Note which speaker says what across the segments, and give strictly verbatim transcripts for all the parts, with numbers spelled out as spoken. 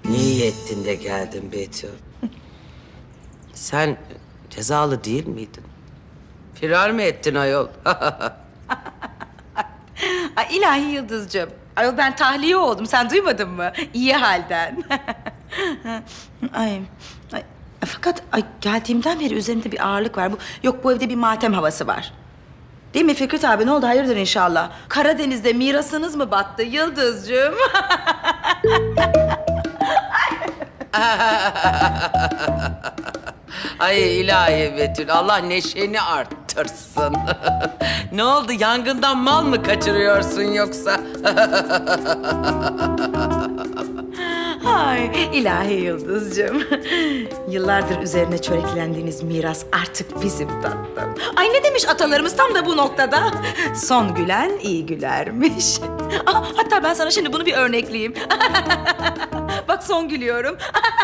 Speaker 1: İyi ettin de geldin Betül. Sen cezalı değil miydin? Firar mı ettin ayol?
Speaker 2: Ay ilahi Yıldızcığım. Ayol ben tahliye oldum. Sen duymadın mı? İyi halden. ay, ay, fakat ay, geldiğimden beri üzerimde bir ağırlık var. Bu, yok bu evde bir matem havası var. Değil mi Fikret abi? Ne oldu? Hayırdır inşallah. Karadeniz'de mirasınız mı battı Yıldızcığım?
Speaker 1: Ay ilahi Betül, Allah neşeni arttırsın. Ne oldu, yangından mal mı kaçırıyorsun yoksa?
Speaker 2: Ay ilahi Yıldızcığım. Yıllardır üzerine çöreklendiğiniz miras artık bizim tatlım. Ay ne demiş atalarımız tam da bu noktada? Son gülen iyi gülermiş. Ah, hatta ben sana şimdi bunu bir örnekleyeyim. Bak son gülüyorum.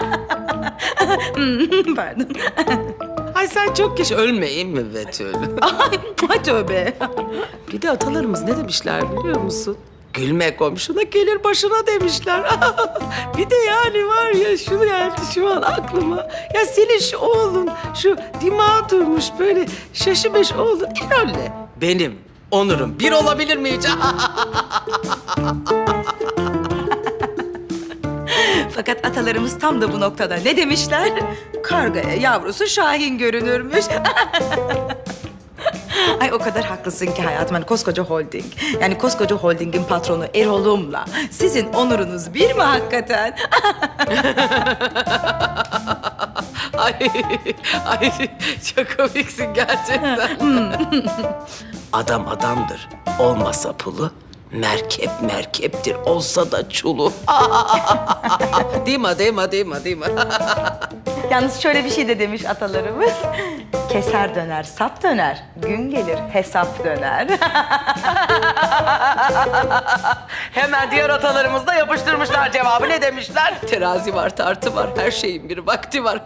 Speaker 2: Hmm, pardon.
Speaker 1: Ay sen çok geç ölmeyeyim mi Betül?
Speaker 2: Ay, ay tövbe.
Speaker 1: Bir de atalarımız ne demişler biliyor musun? Gülme komşuna gelir başına demişler. Bir de yani var ya şunu geldi şu an aklıma. Ya senin şu oğlun şu dimağı durmuş böyle şaşı beş oğlun Erol'le. Benim onurum bir olabilir mi hiç?
Speaker 2: Fakat atalarımız tam da bu noktada ne demişler? Kargaya yavrusu Şahin görünürmüş. Ay o kadar haklısın ki hayatım. Hani koskoca holding. Yani koskoca holdingin patronu Erol'umla sizin onurunuz bir mi hakikaten?
Speaker 1: Ay, ay çok komiksin gerçekten. Adam adamdır. Olmasa pulu, merkep merkeptir. Olsa da çulu. Değil mi, değil mi, değil mi, değil mi?
Speaker 2: Yalnız şöyle bir şey de demiş atalarımız. Keser döner, sap döner. Gün gelir, hesap döner.
Speaker 1: Hemen diğer atalarımız da yapıştırmışlar cevabı. Ne demişler? Terazi var, tartı var. Her şeyin bir vakti var.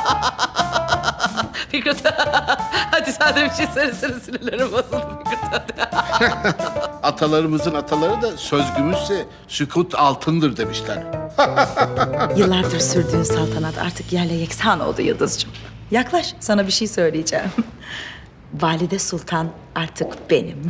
Speaker 1: Fikret, hadi sen de bir şey söylesene, sinirlerim bozuldu Fikret.
Speaker 3: Atalarımızın ataları da söz gümüşse sükut altındır demişler.
Speaker 2: Yıllardır sürdüğün saltanat artık yerle yeksan oldu Yıldızcığım. Yaklaş, sana bir şey söyleyeceğim. Valide Sultan artık benim.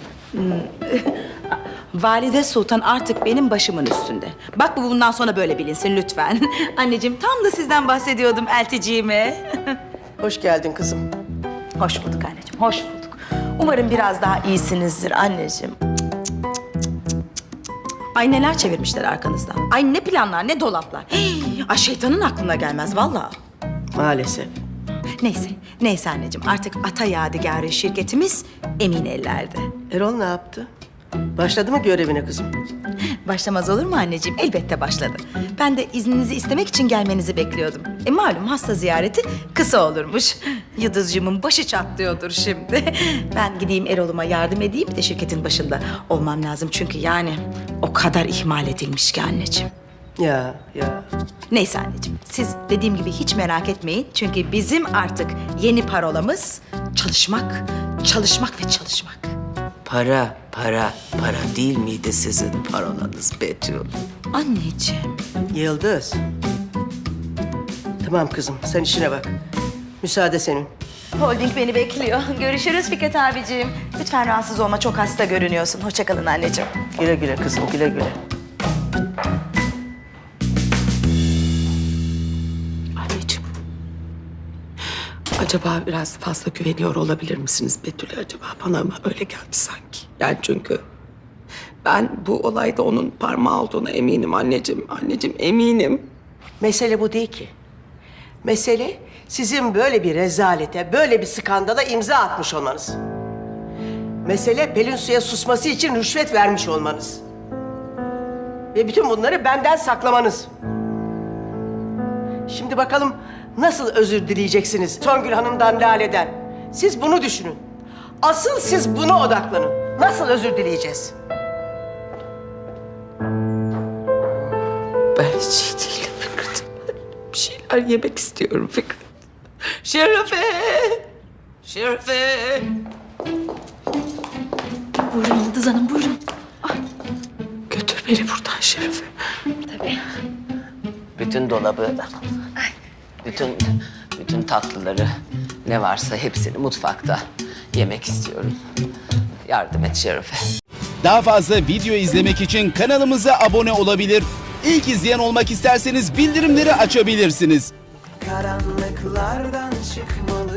Speaker 2: Valide Sultan artık benim başımın üstünde. Bak bu bundan sonra böyle bilinsin lütfen. Anneciğim tam da sizden bahsediyordum elticiğime.
Speaker 4: Hoş geldin kızım.
Speaker 2: Hoş bulduk anneciğim, hoş bulduk. Umarım biraz daha iyisinizdir anneciğim. Ay neler çevirmişler arkanızdan. Ay ne planlar, ne dolaplar. Hey, ay şeytanın aklına gelmez vallahi.
Speaker 4: Maalesef.
Speaker 2: Neyse, neyse anneciğim. Artık Ata Yadigarı şirketimiz emin ellerde.
Speaker 4: Erol ne yaptı? Başladı mı görevine kızım?
Speaker 2: Başlamaz olur mu anneciğim? Elbette başladı. Ben de izninizi istemek için gelmenizi bekliyordum. E malum hasta ziyareti kısa olurmuş. Yıldızcığımın başı çatlıyordur şimdi. Ben gideyim Erol'uma yardım edeyim de şirketin başında olmam lazım. Çünkü yani o kadar ihmal edilmiş ki anneciğim.
Speaker 4: Ya ya.
Speaker 2: Neyse anneciğim, siz dediğim gibi hiç merak etmeyin. Çünkü bizim artık yeni parolamız çalışmak, çalışmak ve çalışmak.
Speaker 1: Para, para, para değil miydi sizin parolanız Betül?
Speaker 2: Anneciğim.
Speaker 4: Yıldız. Tamam kızım sen işine bak. Müsaade senin.
Speaker 2: Holding beni bekliyor. Görüşürüz Fikret abiciğim. Lütfen rahatsız olma, çok hasta görünüyorsun. Hoşça kalın anneciğim.
Speaker 4: Güle güle kızım güle güle.
Speaker 1: Anneciğim, acaba biraz fazla güveniyor olabilir misiniz Betül'e acaba? Bana mı öyle geldi sanki? Yani çünkü ben bu olayda onun parmağı olduğuna eminim anneciğim. Anneciğim eminim.
Speaker 4: Mesele bu değil ki. Mesele sizin böyle bir rezalete, böyle bir skandala imza atmış olmanız. Mesele Pelin Su'ya susması için rüşvet vermiş olmanız. Ve bütün bunları benden saklamanız. Şimdi bakalım nasıl özür dileyeceksiniz Songül Hanım'dan, Lale'den. Siz bunu düşünün. Asıl siz buna odaklanın. Nasıl özür dileyeceğiz?
Speaker 1: Ben hiç iyi değilim Fikret. Bir şeyler yemek istiyorum Fikret. Şerefe! Şerefe!
Speaker 2: Buyurun Yıldız Hanım, buyurun.
Speaker 1: Götür beni buradan Şerefe. bütün dolabı, bütün bütün tatlıları ne varsa hepsini mutfakta yemek istiyorum. Yardım et Şerife.
Speaker 5: Daha fazla video izlemek için kanalımıza abone olabilir. İlk izleyen olmak isterseniz bildirimleri açabilirsiniz.
Speaker 6: Karanlıklardan çıkmalı